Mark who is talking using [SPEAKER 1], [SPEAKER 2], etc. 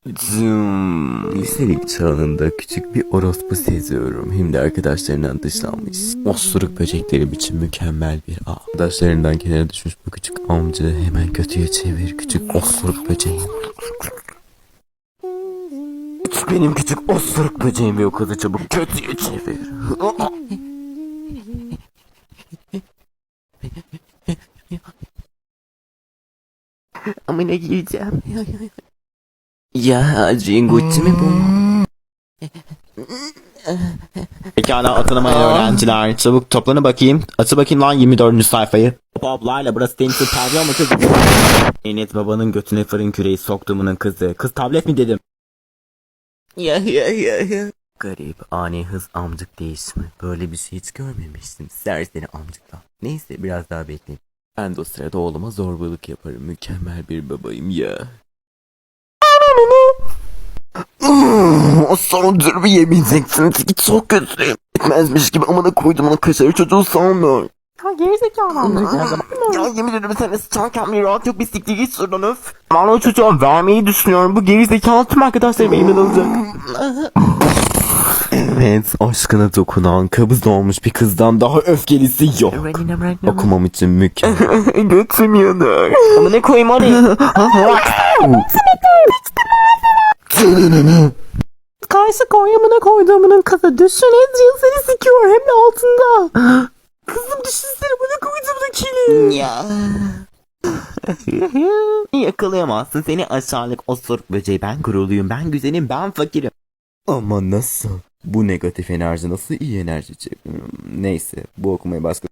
[SPEAKER 1] Liselik çağında küçük bir orospu seziyorum. Hem de arkadaşlarından dışlanmış. Osuruk böceklerim için mükemmel bir ağ. Arkadaşlarından kenara düşmüş bu küçük amca hemen kötüye çevir küçük osuruk böceğim. Benim küçük osuruk böceğimi o kadar çabuk kötüye çevir. Amına gireceğim. Ya Cengucci mi bu?
[SPEAKER 2] Pekala atanamayan öğrenciler. Çabuk toplanın bakayım. Açı bakayım lan 24. sayfayı. Poplarla burası temsil pavyon mu kız? Enet babanın götüne fırın küreği soktuğumunun kızı. Kız tablet mi dedim?
[SPEAKER 1] Ya. Garip, ani hız amcık değişimi. Böyle bir şey hiç görmemiştim. Serseri amcıktan. Neyse biraz daha bekleyin. Ben de o sırada oğluma zorbalık yaparım. Mükemmel bir babayım ya. O son durumu yemeyeceksiniz ki çok kötüyüm. Etmezmiş gibi amına koydum onu kaşarı çocuğu sanmıyor.
[SPEAKER 2] Ha gerizekalı amca.
[SPEAKER 1] Ya yemin ederim sen sıçarken bir rahat yok bir siktir git şuradan öf. Ben o çocuğa vermeyi düşünüyorum. Bu gerizekalı tüm arkadaşlarım elimden alacak. Evet, aşkına dokunan, kabız olmuş bir kızdan daha öfkelisi yok. Okumam için mükemmel. Götüm yanar. Ama ne koyayım hadi.
[SPEAKER 2] Karşı Konya'mına koyduğumunun kızı. Düşün Adrian seni sikiyor hem de altında. Kızım düşünsene bana koyduğumun kili.
[SPEAKER 1] Ya. Yakalayamazsın seni aşağılık osuruk böceği. Ben gururluyum, ben güzelim, ben fakirim. Ama nasıl? Bu negatif enerji nasıl iyi enerji çekiyor? Neyse, bu okumayı başka